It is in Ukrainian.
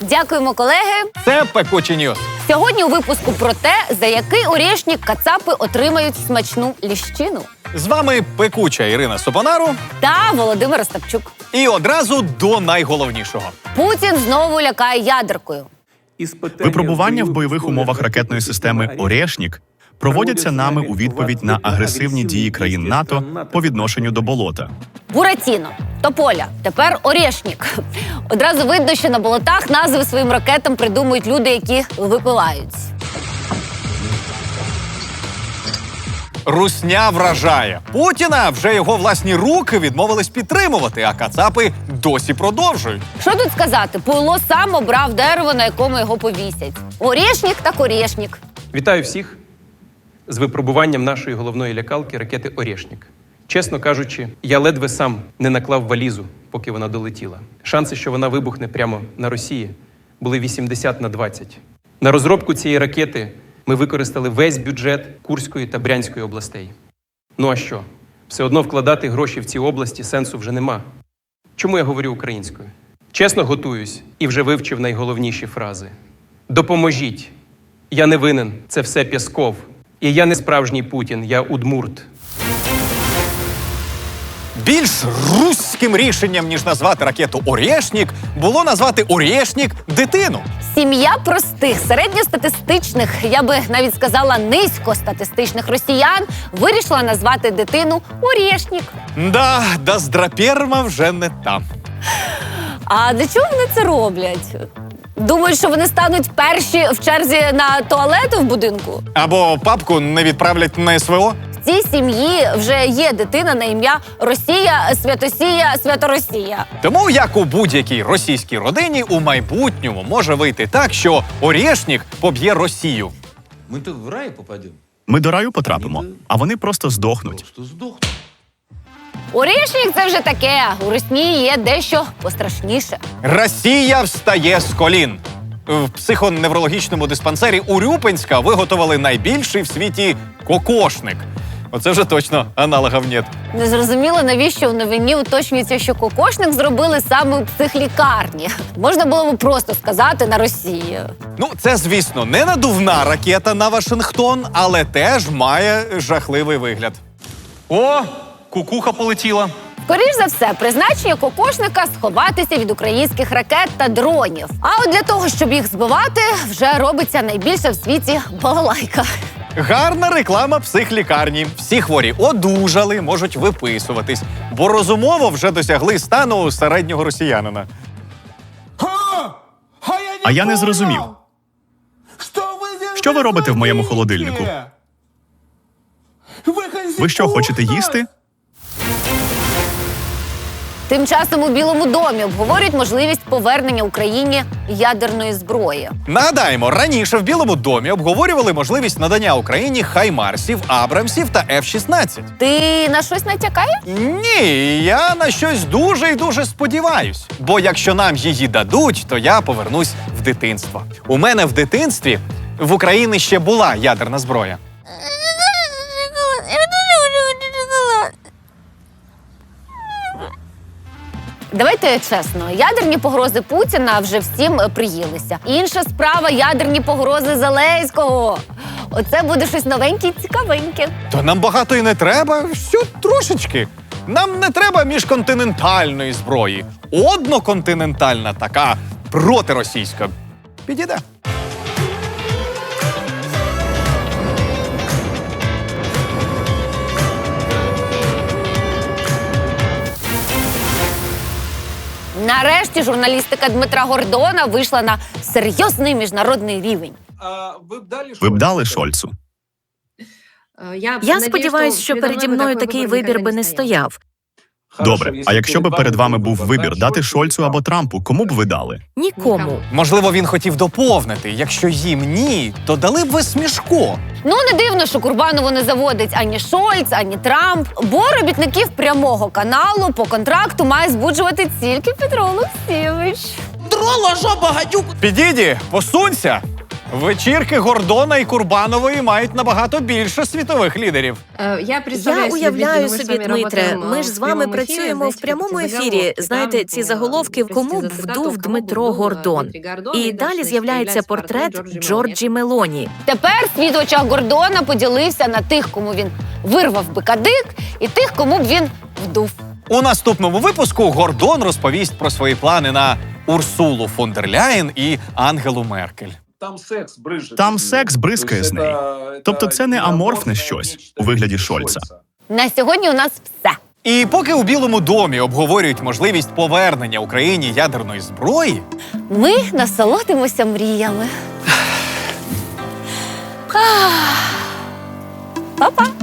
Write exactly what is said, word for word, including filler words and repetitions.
Дякуємо, колеги. Це Пекучі Ньюс. Сьогодні у випуску про те, за який орєшнік кацапи отримають смачну ліщину. З вами пекуча Ірина Сопонару. Та Володимир Остапчук. І одразу до найголовнішого. Путін знову лякає ядеркою. Випробування в бойових умовах ракетної системи «Орєшнік» проводяться нами у відповідь на агресивні дії країн НАТО по відношенню до болота. Буратіно, Тополя, тепер Орєшнік. Одразу видно, що на болотах назви своїм ракетам придумують люди, які випивають. Русня вражає. Путіна вже його власні руки відмовились підтримувати, а кацапи досі продовжують. Що тут сказати? Пуйло сам обрав дерево, на якому його повісять. Орєшнік так Орєшнік. Вітаю всіх з випробуванням нашої головної лякалки ракети «Орєшнік». Чесно кажучи, я ледве сам не наклав валізу, поки вона долетіла. Шанси, що вона вибухне прямо на Росії, були вісімдесят на двадцять. На розробку цієї ракети ми використали весь бюджет Курської та Брянської областей. Ну а що? Все одно вкладати гроші в ці області сенсу вже нема. Чому я говорю українською? Чесно готуюсь і вже вивчив найголовніші фрази. Допоможіть. Я не винен, це все Пєсков. І я не справжній Путін, я удмурт. Більш руським рішенням, ніж назвати ракету «Орєшнік», було назвати «Орєшнік» дитину. Сім'я простих, середньостатистичних, я би навіть сказала низькостатистичних росіян вирішила назвати дитину Орєшнік. Да, Даздрапєрма вже не там. А для чого вони це роблять? Думають, що вони стануть перші в черзі на туалет в будинку? Або папку не відправлять на СВО? В цій сім'ї вже є дитина на ім'я Росія, Святосія, Святоросія. Тому, як у будь-якій російській родині, у майбутньому може вийти так, що Орєшнік поб'є Росію. Ми-то в рай попадемо. Ми до раю потрапимо, а вони просто здохнуть. Просто здохнемо. Орєшнік – це вже таке. У Росії є дещо пострашніше. Росія встає з колін. В психоневрологічному диспансері Урюпинська виготовили найбільший в світі кокошник. Оце вже точно аналогів нет. Незрозуміло, навіщо в новині уточнюється, що кокошник зробили саме у психлікарні. Можна було б просто сказати на Росії. Ну, це, звісно, не надувна ракета на Вашингтон, але теж має жахливий вигляд. О, кукуха полетіла. Скоріш за все, призначення кокошника – сховатися від українських ракет та дронів. А от для того, щоб їх збивати, вже робиться найбільша в світі балалайка. Гарна реклама психлікарні. Всі хворі одужали, можуть виписуватись, бо розумово вже досягли стану середнього росіянина. А я не зрозумів. Що ви робите в моєму холодильнику? Ви що, хочете їсти? Тим часом у Білому домі обговорюють можливість повернення Україні ядерної зброї. Нагадаємо, раніше в Білому домі обговорювали можливість надання Україні хаймарсів, абрамсів та еф шістнадцять. Ти на щось натякаєш? Ні, я на щось дуже і дуже сподіваюсь. Бо якщо нам її дадуть, то я повернусь в дитинство. У мене в дитинстві в Україні ще була ядерна зброя. Давайте чесно, ядерні погрози Путіна вже всім приїлися. Інша справа – ядерні погрози Зеленського. Оце буде щось новеньке і цікавеньке. То нам багато і не треба, все трошечки. Нам не треба міжконтинентальної зброї. Одноконтинентальна така, протиросійська. Підійде. Нарешті журналістика Дмитра Гордона вийшла на серйозний міжнародний рівень. Ви б дали Шольцу? Я сподіваюся, що переді мною такий вибір би не стояв. Добре, а якщо би перед вами був вибір дати Шольцу або Трампу, кому б ви дали? Нікому. Можливо, він хотів доповнити. Якщо їм ні, то дали б ви Смішко. Ну, не дивно, що Курбанову не заводить ані Шольц, ані Трамп. Бо робітників прямого каналу по контракту має збуджувати тільки Петро Олексійович. Підійді, посунься. Вечірки Гордона і Курбанової мають набагато більше світових лідерів. Я Я уявляю собі, Дмитре, ми ж з вами працюємо в прямому ефірі. Знаєте, ці заголовки «Кому б вдув Дмитро Гордон?» І далі з'являється портрет Джорджі Мелоні. Тепер світ в очах Гордона поділився на тих, кому він вирвав би кадик, і тих, кому б він вдув. У наступному випуску Гордон розповість про свої плани на Урсулу фон дер Ляєн і Ангелу Меркель. Там секс бризкає. Там секс бризкає з неї. Тобто це не аморфне щось у вигляді Шольца. На сьогодні у нас все. І поки у Білому домі обговорюють можливість повернення Україні ядерної зброї, Ми насолодимося мріями. Па-па!